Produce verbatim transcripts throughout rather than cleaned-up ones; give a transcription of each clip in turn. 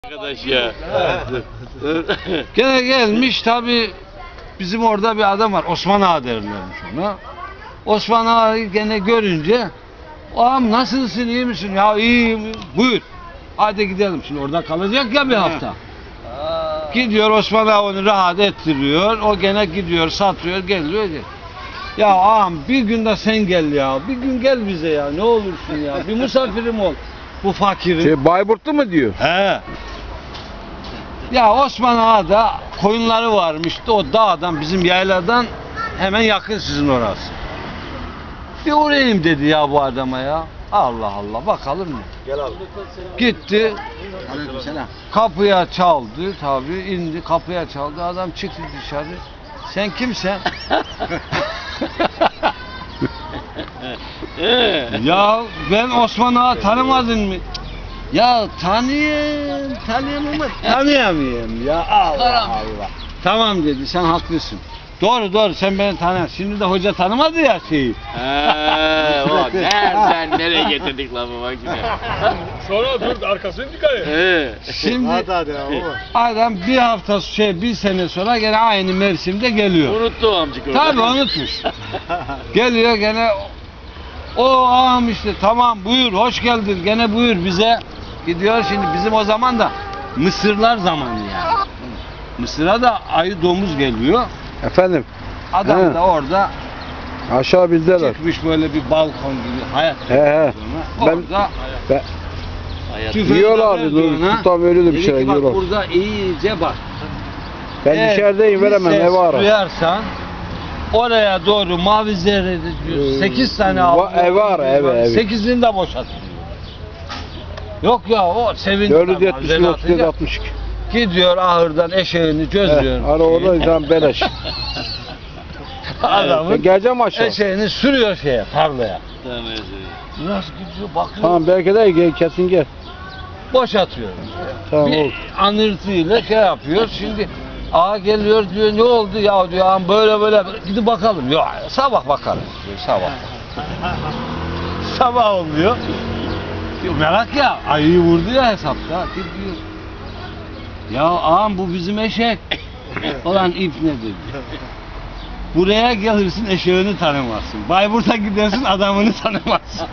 Arkadaş ya. Gene gelmiş tabi bizim orada bir adam var, Osman Ağa derlermiş ona. Osman Ağa'yı gene görünce, ağam nasılsın, iyi misin? Ya iyiyim, buyur. Hadi gidelim, şimdi orada kalacak ya bir hafta. Gidiyor Osman Ağa onu rahat ettiriyor, o gene gidiyor satıyor, geliyor. Ya ağam bir gün de sen gel ya, bir gün gel bize ya, ne olursun ya, bir misafirim ol bu fakirin. Şey, Bayburtlu mu diyor? He. Ya Osman Ağa'da koyunları varmış, o dağdan, bizim yayladan hemen yakın sizin orası. Bir uğrayayım dedi ya bu adama ya. Allah Allah, bakalım mı? Gel abi. Gitti, Aleykümselam. kapıya çaldı tabi, indi kapıya çaldı, adam çıktı dışarı. Sen kimsen? Ya ben Osman Ağa, tanımadın mı? Ya tanıyayım, tanıyayım ama tanıyamayayım ya, Allah Allah. Tamam dedi, sen haklısın. Doğru doğru, sen beni tanıyorsun. Şimdi de hoca tanımadı ya şeyi. Eee o nereden nereye getirdik lafı bak şimdi. Sonra dur arkasını dikkat et. He. Şimdi Hadi hadi ya baba. adam bir hafta şey bir sene sonra gene aynı mevsimde geliyor. Unuttu o amcık orada. Tabii unutmuş. Geliyor gene, o ağam işte, tamam buyur, hoş geldin, gene buyur bize. Gidiyor şimdi, bizim o zaman da Mısırlar zamanı yani. Mısır'a da ayı domuz geliyor. Efendim, Adam He. da orada aşağı bizdeler. çıkmış böyle bir balkon gibi hayat. He he. Ben, Orada ben, Hayat. tüfeği yiyorlar verdi dedi, ona. tutam öyle de bir Dedi şey ki, bak yiyorlar. burada iyice bak. Ben Eğer dışarıdayım, bir veremem, ses ev ara. duyarsan oraya doğru mavi zerre diyor. Ee, sekiz tane va- aldı. ev ara, ev, ev. sekizini de boşaltıyor. Yok ya, o sevindi. dört yüz tabii, yetmiş acele otuz yedi atacak. altmış iki. Gidiyor ahırdan eşeğini çözüyor. He, ara orada tam beleş. Adamın Ben geleceğim aşağı. eşeğini sürüyor şeye, tarlaya. Tamam, Nasıl gidiyor, bakıyor. Tamam belki de gel, kesin gel. Boşatıyor. Tamam Bir oldu. anırtıyla şey yapıyor. Şimdi ağa geliyor diyor, ne oldu ya diyor, ağam böyle böyle, gidip bakalım. Yok, sabah bakarız diyor, sabah. Sabah oluyor. Diyor, merak ya, ayıyı vurdu ya hesapta. Gidiyor. Ya ağam bu bizim eşek. Ulan ip ne dedi. Buraya gelirsin, eşeğini tanımazsın. Bayburt'a gidersin, adamını tanımazsın.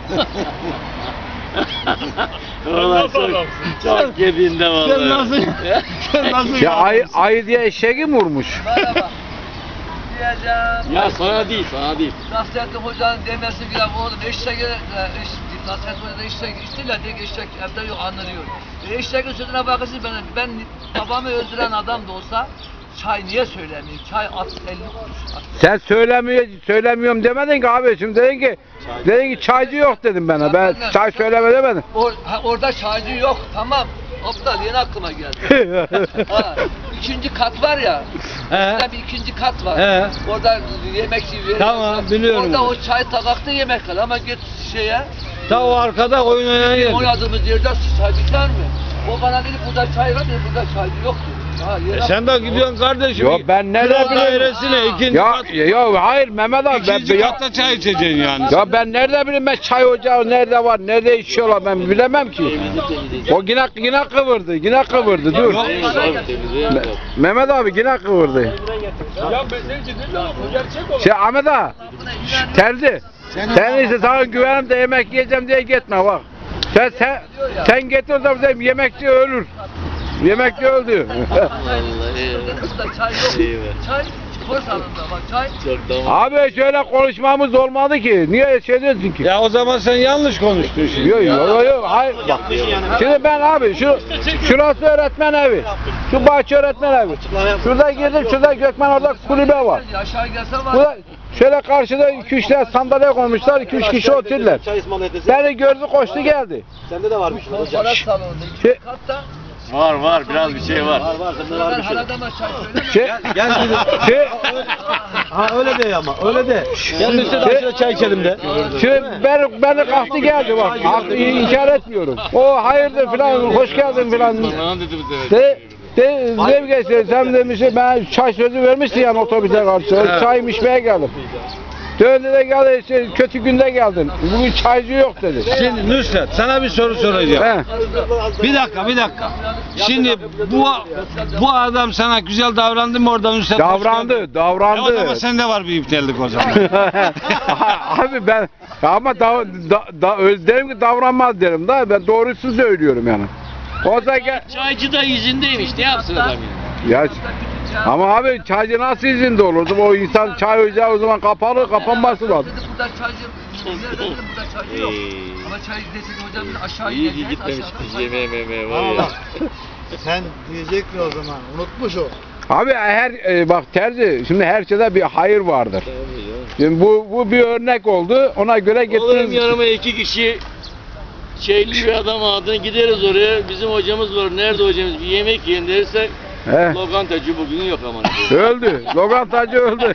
Ulan çok, çok yediğinde vallahi. Sen nasıl, sen nasıl Ya ayı, yapıyorsun? ayı diye eşeği mi vurmuş? Merhaba. Diyeceğim. Ya sana değil, sana değil. Nasrettin Hoca'nın demesi gibi oğlum eşek, e, eş, Nasrettin Hoca'da eşek içtiler diye eşek evde yok anlanıyor. E, eşeğin sözüne bakırsın, ben, ben babamı öldüren adam da olsa çay niye söylemiyor? Çay at elli kuruş. At. Sen söylemiyor, söylemiyorum demedin ki abi. Şimdi dedin ki, dedin ki çaycı yok dedim bana. Ben çay söyleme demedim. Or, ha, orada çaycı yok, tamam. Aptal, yeni aklıma geldi. Ha, ikinci kat var ya. He. Orada bir ikinci kat var. He. Orada yemekçi veriyor. Tamam, biliyorum Orada onu. o çay tabakta yemek var ama git şeye. Ta o arkada oyun oynayan yer. Oynadığımız yerde çay biter mi? O bana dedi burada çay var dedi, burada çay yok dedi. Ha, yere- E sen de gidiyorsun kardeşim. Yok, ben nereden Kira bileyim? dairesine ikinci Ya, kat. ya hayır Mehmet abi. Ben, İkinci ya, katta çay içeceksin yani. ya ben nerede bileyim, ben çay ocağı nerede var, nerede içiyorlar ben bilemem ki. O yine, yine kıvırdı, yine kıvırdı dur. Yok. Me- Mehmet abi yine kıvırdı. Ya ben seni ciddi diyorum, bu gerçek olan. Şey Ahmet ağa, şş, terzi. Sen ise sana güvenim de yemek yiyeceğim diye gitme bak. Sen sen, sen getir de bize yemekçi ölür. Yemekçi öldü. Burada çay yok. Eyvah. Çay spor salonunda bak çay. Çok tamam. Abi şöyle konuşmamız olmadı ki. Niye şey diyorsun ki? Ya o zaman sen yanlış konuştun şimdi. Yok yok yok yok hayır bak. Şimdi ben abi şu şurası öğretmen evi. Şu bahçe öğretmen evi. Şurada girdim, şurada Gökmen, orada kulübe var. Aşağı gelse var. Burada şöyle karşıda iki üç tane sandalye koymuşlar, iki üç kişi oturdular. Çay ısmarladı. Beni gördü, koştu geldi. Sende de varmış. Konferans salonunda Şey- ikinci katta. Var var biraz bir şey var. Var var sende Ben var bir şey. her adama çay söylemem. Şey, Gel şimdi. şey, Ha öyle de ama öyle de. Gel işte Şey- aşağı çay içelim de. şey beni, beni kalktı geldi bak. Hak- İnkar etmiyorum. O hayırdır filan, hoş geldin filan. Bana dedi bu sefer. De, de, Zevk sen demişsin, ben çay sözü vermişsin yani otobüse karşı. Çay içmeye geldim. Döndü de geldi, şey, kötü günde geldin. Bugün çaycı yok dedi. Şimdi Nusret sana bir soru soracağım. He. Bir dakika bir dakika. Şimdi bu bu adam sana güzel davrandı mı orada Nusret? Davrandı, davrandı. E o zaman sende var bir iptallik o zaman. Abi ben ama da, da, da, derim ki davranmaz derim da ben doğrusunu söylüyorum yani. O zaman gel- Çaycı da izindeymiş. Ne yapsın adam ya? ya ama abi çaycı nasıl izinde olurdu? O insan çay ocağı o zaman kapalı, kapanması lazım. Dedi burada çaycı, nerede dedim burada çaycı yok. Ama çay desin hocam biz aşağı İyi ki ineceğiz. gitmemiş aşağıda kız çay var. yemeğe memeğe var ya. Sen diyecektin o zaman. Unutmuş o. Abi her e, bak terzi şimdi her şeyde bir hayır vardır. Şimdi bu bu bir örnek oldu. Ona göre Oğlum getiririz. yanıma iki kişi şeyli bir adam adına gideriz oraya. Bizim hocamız var. Nerede hocamız? Bir yemek yiyin dersek He. lokantacı bugün yok aman. Öldü. Lokantacı öldü.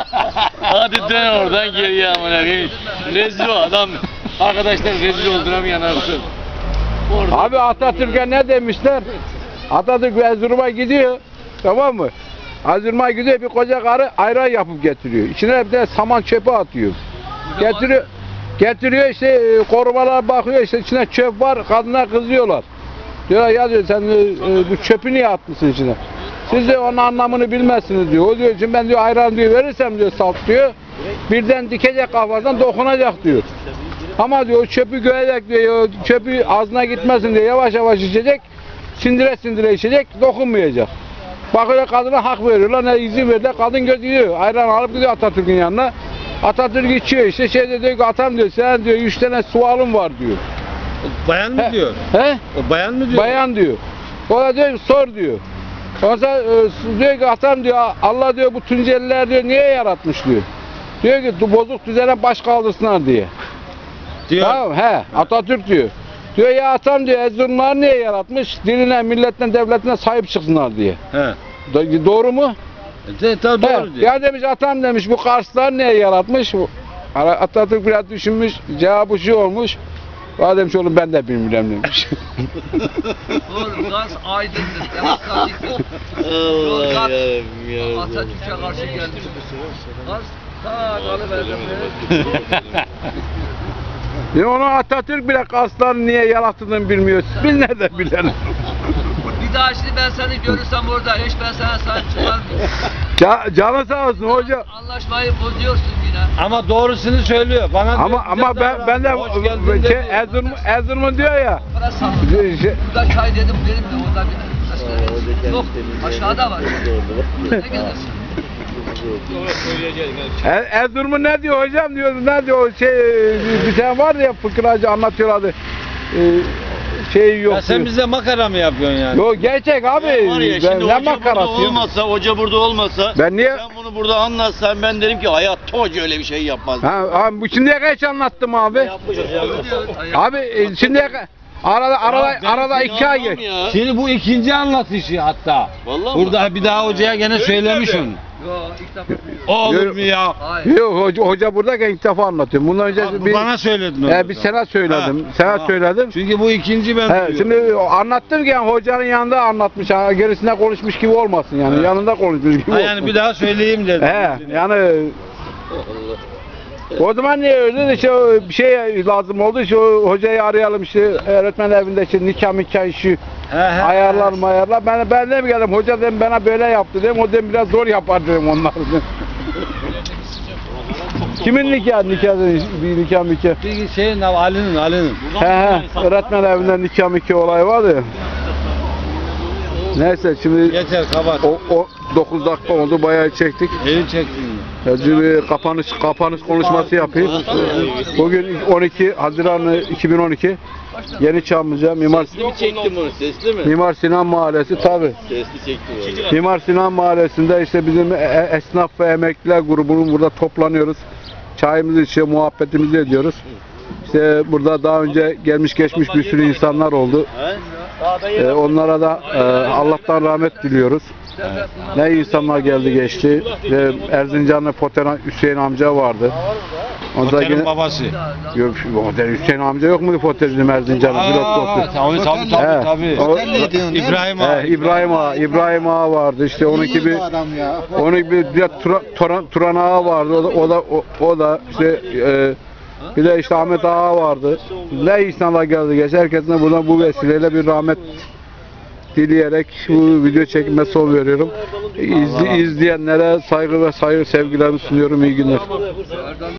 Hadi dön oradan geriye aman koyayım. Rezil o adam. Arkadaşlar rezil olduramayan arsın. Orada. Abi Atatürk'e ne demişler? Atatürk Erzurum'a gidiyor. Tamam mı? Erzurum'a gidiyor bir koca karı ayran yapıp getiriyor. İçine bir de saman çöpü atıyor. Getiriyor. Getiriyor işte e, korumalar bakıyor işte içine çöp var. Kadına kızıyorlar. Diyor ya diyor sen e, e, bu çöpü niye atmışsın içine? Siz de onun anlamını bilmezsiniz diyor. O diyor şimdi ben diyor ayran diyor verirsem diyor salt diyor. Birden dikecek kafadan dokunacak diyor. Ama diyor çöpü görecek diyor. Çöpü ağzına gitmesin diye yavaş yavaş içecek. Sindire sindire içecek. Dokunmayacak. Bakıyor kadına hak veriyorlar. Ne izin verdiler. Kadın gidiyor. Ayran alıp gidiyor Atatürk'ün yanına. Atatürk içiyor işte şey de diyor ki atam diyor sen diyor üç tane sualım var diyor. Bayan mı diyor? He? O bayan mı diyor? Bayan diyor. O da diyor ki, sor diyor. Ondan sonra e, diyor ki atam diyor Allah diyor bu Tunceliler diyor niye yaratmış diyor. Diyor ki "Du- bozuk düzene baş kaldırsınlar diye. Diyor. Tamam he Atatürk diyor. Diyor ya atam diyor Erzurumlar niye yaratmış? Diline, milletine, devletine sahip çıksınlar diye. He. Do- doğru mu? De, tabii He. doğru diyor. Ya demiş atam demiş bu Karslar niye yaratmış? Bu- Atatürk biraz düşünmüş cevabı şu olmuş. Valla demiş oğlum ben de bilmiyorum demiş. Oğlum gaz aydındır, demokratiktir. Allah Yozgat yarabbim yarabbim. Atatürk'e karşı gelmiş. Gaz ta kalıverdim. Ya onu Atatürk bile Karsların niye yarattığını bilmiyor. Biz nereden bilelim? Bir daha şimdi ben seni görürsem orada hiç ben sana sahip çıkarmıyorum. Ca canı sağ olsun hoca. Anlaşmayı bozuyorsun yine. Ama doğrusunu söylüyor. Bana diyor, Ama güzel ama ben davran. ben de Hoş geldin şey, diyor. Erzurum Erzurum'un diyor ya. Para sattım. Şey, Burada çay dedim dedim de orada bir yok aşağıda var. Ne gelirsin? Er, Erzurum'un ne diyor hocam diyor. Ne diyor o şey bir tane var ya fıkracı anlatıyorlardı. Ee, şey yok. Ya sen diyor. bize makara mı yapıyorsun yani? Yok gerçek abi. Ya var ya ben şimdi ne hoca burada makarası ya? olmasa, hoca burada olmasa Ben niye? sen bunu burada anlatsan ben derim ki hayatta hoca öyle bir şey yapmaz. Ha, abi bu şimdiye kadar hiç anlattım abi. Yapmış hocam. Abi e, şimdiye kadar arada arada ben arada seni iki ay anlamam geç. ya. Şimdi bu ikinci anlatışı hatta. Vallahi mi? Burada bir daha hocaya gene söylemiş onu. Yok ilk defa duyuyorum. O olur mu ya? Hayır. Yok hoca, hoca buradayken ilk defa anlatıyorum. Bundan önce Abi, bir bana söyledin onu. e, bir sana söyledim. Sana Ha. söyledim. Çünkü bu ikinci ben He, duyuyorum. şimdi anlattım ki yani hocanın yanında anlatmış. Ha, gerisinde konuşmuş gibi olmasın yani. He. Yanında konuşmuş gibi Ha, olsun. yani bir daha söyleyeyim dedim. He, yani o zaman niye öyle işte o bir şey lazım oldu işte o hocayı arayalım işte öğretmen evinde işte nikah mikah işi He, he. ayarlar mı ayarlar ben ben de mi geldim hoca dedim bana böyle yaptı dedim o dedim biraz zor yapar dedim onlar dedim. Kimin nikahı nikah bir nikah mikah Bir şeyin Ali'nin Ali'nin. he he öğretmen evinde nikah mikah olay vardı ya. Neyse şimdi Yeter kapat. o, o dokuz dakika oldu bayağı çektik. Eli çektin. Ya, bir kapanış kapanış konuşması yapayım. Bugün on iki Haziran iki bin on iki Yeni Çamlıca Mimar Sesli mi çektim bunu? Sesli mi? Mimar Sinan Mahallesi tabi. Sesli çektim onu. Mimar Sinan Mahallesi'nde işte bizim e- e- esnaf ve emekliler grubunun burada toplanıyoruz. Çayımızı içiyor, muhabbetimizi ediyoruz. İşte burada daha önce gelmiş geçmiş bir sürü insanlar oldu. Ee, onlara da e, Allah'tan rahmet diliyoruz. Ne insanlar geldi geçti. Ee, Erzincanlı Poteran Hüseyin amca vardı. Ondan Otelin yine- babası. Yok, şu Otel Hüseyin amca yok mu Fotel'in Erzincan'ın pilot Aa, doktor? tabii tabii He, tabii. tabii. o- İbrahim He, abi. İbrahim Ağa, İbrahim Ağa vardı işte onunki bir onun bir, bir de Tura- Turan, Turan Ağa vardı o da o da o, o da işte e, bir de işte Ahmet Ağa vardı. Ne insanlar geldi geçti herkesine buradan bu vesileyle bir rahmet dileyerek bu video çekime son veriyorum. İzli, izleyenlere saygı ve saygı sevgilerimi sunuyorum. İyi günler.